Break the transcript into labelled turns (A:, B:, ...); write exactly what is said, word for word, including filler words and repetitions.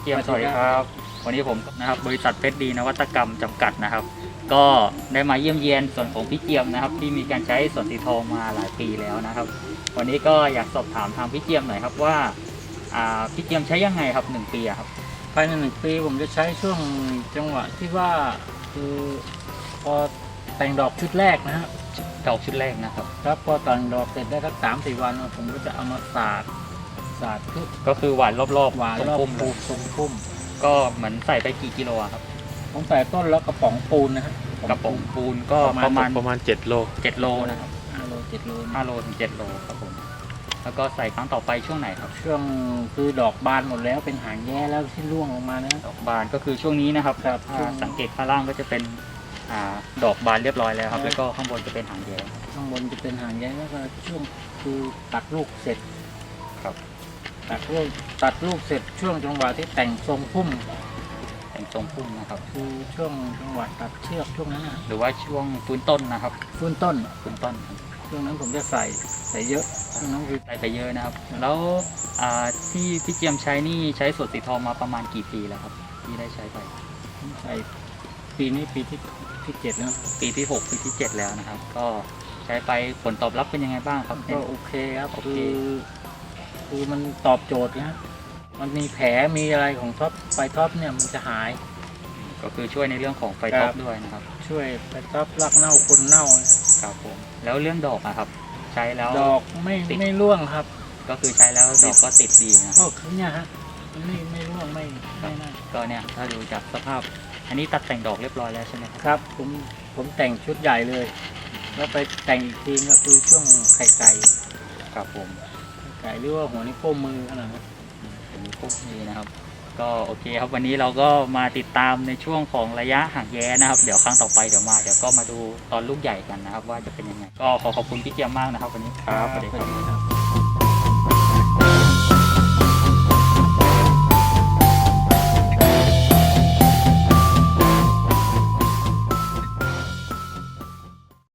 A: เจียมสวัสดีครับวันนี้ผมนะครับบริษัทเพชรดีนวัตกรรมจำกัดนะครับ ก็ได้มาเยี่ยมเยียนส่วนของพี่เจียมนะครับ ที่มีการใช้สวนสีทองมาหลายปีแล้วนะครับ วันนี้ก็อยากสอบถามทางพี่เจียมหน่อยครับว่าอ่าพี่เจียมใช้ยังไงครับหนึ่งปีอะครับ
B: ภายในหนึ่งปีผมจะใช้ช่วงจังหวะที่ว่าคือพอแต่งดอกชุดแรกนะฮะ
A: ดอกชุดแรกนะครับ
B: ครับพอแต่งดอกเสร็จได้สักสามสี่วันผมก็จะเอามาสาดสาดพืช
A: ก็คือหวานรอบๆ
B: หวานรอบ
A: พุ่ม
B: ปูทรงพุ่ม
A: ก็เหมือนใส่ไปกี่กิโลอะครับ
B: ผมใส่ต้นแล้วกระป๋องปูนนะฮะ
A: กระป๋องปูนก็ประมาณ
C: ประมาณเจ็ดโล
A: เจ็ดโลนะครับ
B: ห้าโลเจ็ดโล
A: ห้าโลถึงเจ็ดโลครับผมแล้วก็ใส่ครั้งต่อไปช่วงไหนครับ
B: ช่วงคือดอกบานหมดแล้วเป็นหางแย่แล้วที่ร่วงลงมานะ
A: ดอกบานก็คือช่วงนี้นะครับ
B: ครับ
A: ถ้าสังเกตข้างล่างก็จะเป็นอ่าดอกบานเรียบร้อยแล้วครับ แล้วก็ข้างบนจะเป็นหางแย้
B: ข้างบนจะเป็นหางแย่แล้วก็ช่วงคือตัดลูกเสร็จ
A: ครับ
B: ตัดลูกตัดลูกเสร็จช่วงจังหวะที่แต่งทรงพุ่ม
A: แต่งทรงพุ่มนะครับ
B: คือช่วงจังหวะตัดเชือกช่วงนั้นนะ
A: หรือว่าช่วงฟื้นต้นนะครับ
B: ฟื้นต้น
A: ฟื้นต้นครับ
B: ช่วงนั้นผมจะใส่ใส่เยอะช่วงนั้นคือ
A: ใส่ไปเยอะนะครับ แล้วอ่าที่พี่เจียมใช้นี่ใช้สวนสีทองมาประมาณกี่ปีแล้วครับที่ได้ใช้ไป
B: ผมใส่ปีนี้ปีที่ที่เจ็ดแล้ว
A: ปีที่หกปีที่เจ็ดแล้วนะครับ ก็ใช้ไปผลตอบรับเป็นยังไงบ้างครับ
B: ก็โอเคครับ
A: โอเค
B: คือคือมันตอบโจทย์นะมันมีแผลมีอะไรของท็อปไฟท็อปเนี่ยมันจะหาย
A: ก็คือช่วยในเรื่องของไฟท็อปด้วยนะครับ
B: ช่วยไฟท็อปรักเน่าคนเน่านะครับ
A: ผมแล้วเรื่องดอกอะครับ ใช้แล้ว
B: ดอกไม่
A: ติด
B: ไม่ร่วงครับ
A: ก็คือใช้แล้วดอกก็ติดดีนะ
B: ก็คือเนี่ยฮะมันไม่ไม่ร่วงไม่ไม่นั่น
A: ก็เนี่ยถ้าดูจากสภาพ อันนี้ตัดแต่งดอกเรียบร้อยแล้วใช่ไหมครับ
B: ครับผมผมแต่งชุดใหญ่เลย แล้วไปแต่งอีกทีก็คือช่วงไข่ไก่
A: ครับผม
B: ไก่หรือว่าหัวนิ้วโป้งมือขนาดนั้น
A: เป็นพวกนี้นะครับ ก็โอเคครับวันนี้เราก็มาติดตามในช่วงของระยะห่างแย้นะครับ เดี๋ยวครั้งต่อไปเดี๋ยวมาเดี๋ยวก็มาดูตอนลูกใหญ่กันนะครับ ว่าจะเป็นยังไง ก็ขอขอบคุณพี่เจียมมากนะครับ วันนี้ครับสวัสดีครับ
B: ครับ